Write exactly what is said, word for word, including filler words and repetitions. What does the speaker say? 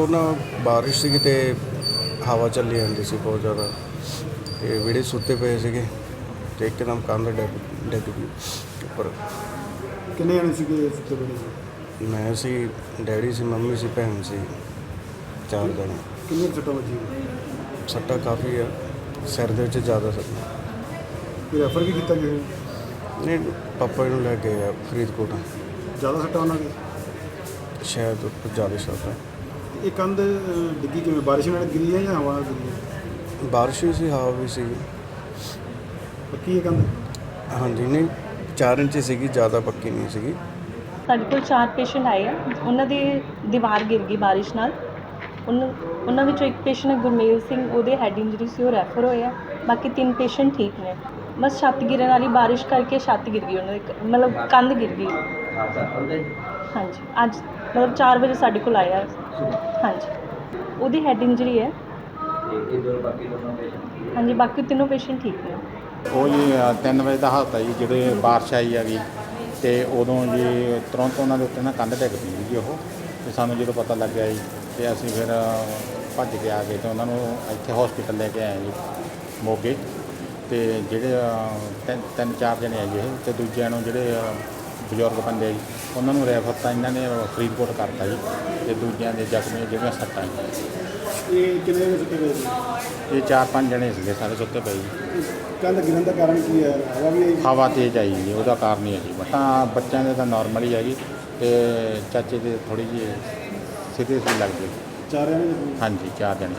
ਉਹ ਨਾ ਬਾਰਿਸ਼ ਸੀਗੀ ਤੇ ਹਵਾ ਚੱਲੀ ਜਾਂਦੀ ਸੀ ਬਹੁਤ ਜ਼ਿਆਦਾ ਤੇ ਵਿਹੜੇ ਸੁੱਤੇ ਪਏ ਸੀਗੇ ਤੇ ਇੱਕਦਮ ਕੰਧ ਡਿੱਗ ਡਿੱਗ ਗਈ ਉੱਪਰ। ਕਿੰਨੇ ਜਣੇ ਸੀਗੇ ਸੁੱਤੇ ਪਏ? ਮੈਂ ਸੀ, ਡੈਡੀ ਸੀ, ਮੰਮੀ ਸੀ, ਭੈਣ ਸੀ, ਚਾਰ ਜਣੇ। ਕਿੰਨੇ ਕੁ ਸੱਟਾਂ ਵੱਜੀਆਂ? ਸੱਟਾਂ ਕਾਫੀ ਆ, ਸਿਰ ਦੇ ਵਿੱਚ ਜ਼ਿਆਦਾ ਸੱਟਾਂ। ਕੋਈ ਰੈਫਰ ਵੀ ਕੀਤਾ ਕਿਸੇ ਨੂੰ? ਨਹੀਂ, ਪਾਪਾ ਨੂੰ ਲੈ ਗਏ ਆ ਫਰੀਦਕੋਟ। ਜ਼ਿਆਦਾ ਸੱਟਾਂ ਉਹਨਾਂ ਦੇ? ਸ਼ਾਇਦ ਉੱਪਰ ਜ਼ਿਆਦਾ ਸੱਟਾਂ। ਇਹ ਕੰਧ ਅਹ, ਡਿੱਗੀ ਕਿਵੇਂ? ਬਾਰਿਸ਼ ਨਾਲ ਗਿਰੀ ਹੈ ਜਾਂ ਹਵਾ ਨਾਲ ਗਿਰੀ ਹੈ? ਬਾਰਿਸ਼ ਵੀ ਸੀ, ਹਵਾ ਵੀ ਸੀ। ਪੱਕੀ ਹੈ ਕੰਧ? ਹਾਂਜੀ, ਨਹੀਂ ਚਾਰ ਇੰਚ ਸੀਗੀ, ਜ਼ਿਆਦਾ ਪੱਕੀ ਨਹੀਂ ਸੀਗੀ। ਸਾਡੇ ਕੋਲ ਚਾਰ ਪੇਸ਼ੈਂਟ ਆਏ ਆ, ਉਹਨਾਂ ਦੀ ਦੀਵਾਰ ਗਿਰ ਗਈ ਬਾਰਿਸ਼ ਨਾਲ। ਉਹਨਾਂ ਉਹਨਾਂ ਵਿੱਚੋਂ ਇੱਕ ਪੇਸ਼ੈਂਟ ਗੁਰਮੇਲ ਸਿੰਘ, ਉਹਦੇ ਹੈਡ ਇੰਜਰੀ ਸੀ, ਉਹ ਰੈਫਰ ਹੋਏ ਆ। ਬਾਕੀ ਤਿੰਨ ਪੇਸ਼ੈਂਟ ਠੀਕ ਨੇ। ਬਸ ਛੱਤ ਗਿਰਨ ਵਾਲੀ ਬਾਰਿਸ਼ ਕਰਕੇ ਛੱਤ ਗਿਰ ਗਈ ਉਹਨਾਂ ਦੀ, ਮਤਲਬ ਕੰਧ ਗਿਰ ਗਈ। ਹਾਂਜੀ, ਅੱਜ ਮਤਲਬ ਚਾਰ ਵਜੇ ਸਾਡੇ ਕੋਲ ਆਇਆ। ਹਾਂਜੀ, ਉਹਦੀ ਹੈਡ ਇੰਜਰੀ ਹੈ। ਹਾਂਜੀ, ਬਾਕੀ ਤਿੰਨੋਂ ਪੇਸ਼ੈਂਟ ਠੀਕ ਨੇ। ਉਹ ਜੀ ਤਿੰਨ ਵਜੇ ਦਾ ਹਾਲਤ ਹੈ ਜੀ, ਜਿਹੜੇ ਬਾਰਿਸ਼ ਆਈ ਹੈਗੀ ਅਤੇ ਉਦੋਂ ਜੀ ਤੁਰੰਤ ਉਹਨਾਂ ਦੇ ਉੱਤੇ ਨਾ ਕੰਧ ਡਿੱਗ ਪਈ ਜੀ ਉਹ। ਅਤੇ ਸਾਨੂੰ ਜਦੋਂ ਪਤਾ ਲੱਗਿਆ ਜੀ ਅਤੇ ਅਸੀਂ ਫਿਰ ਭੱਜ ਕੇ ਆ ਗਏ ਅਤੇ ਉਹਨਾਂ ਨੂੰ ਇੱਥੇ ਹੌਸਪੀਟਲ ਲੈ ਕੇ ਆਏ ਜੀ ਮੋਗੇ। ਅਤੇ ਜਿਹੜੇ ਤਿੰਨ ਤਿੰਨ ਚਾਰ ਜਣੇ ਆ ਜੀ ਇਹ, ਅਤੇ ਦੂਜਿਆਂ ਨੂੰ ਜਿਹੜੇ ਬਜ਼ੁਰਗ ਬੰਦੇ ਆ ਜੀ ਉਹਨਾਂ ਨੂੰ ਰੈਫਰ ਤਾਂ ਇਹਨਾਂ ਨੇ ਫਰੀਦਕੋਟ ਕਰਤਾ ਜੀ। ਅਤੇ ਦੂਜਿਆਂ ਦੇ ਜ਼ਖਮੀ ਜਿਹੜੀਆਂ ਸੱਟਾਂ ਜੀ। ਇਹ ਕਿੰਨੇ ਵਜੇ ਸੁੱਤੇ ਪਏ ਸੀ? ਇਹ ਚਾਰ ਪੰਜ ਜਣੇ ਸੀਗੇ ਸਾਰੇ ਸੁੱਤੇ ਪਏ ਜੀ। ਕੰਧ ਗਿਰਨ ਦਾ ਕਾਰਨ ਕੀ ਹੈ? ਹਵਾ ਵੀ ਆਈ? ਹਵਾ ਤੇਜ਼ ਆਈ ਜੀ, ਉਹਦਾ ਕਾਰਨ ਹੀ ਹੈ ਜੀ। ਤਾਂ ਬੱਚਿਆਂ ਦੇ ਤਾਂ ਨੋਰਮਲ ਹੀ ਹੈਗੀ ਅਤੇ ਚਾਚੇ ਦੇ ਥੋੜ੍ਹੀ ਜਿਹੀ ਸੀਰੀਅਸ ਵੀ ਲੱਗਦੀ। ਚਾਰ ਜਣੇ? ਹਾਂਜੀ, ਚਾਰ ਜਣੇ।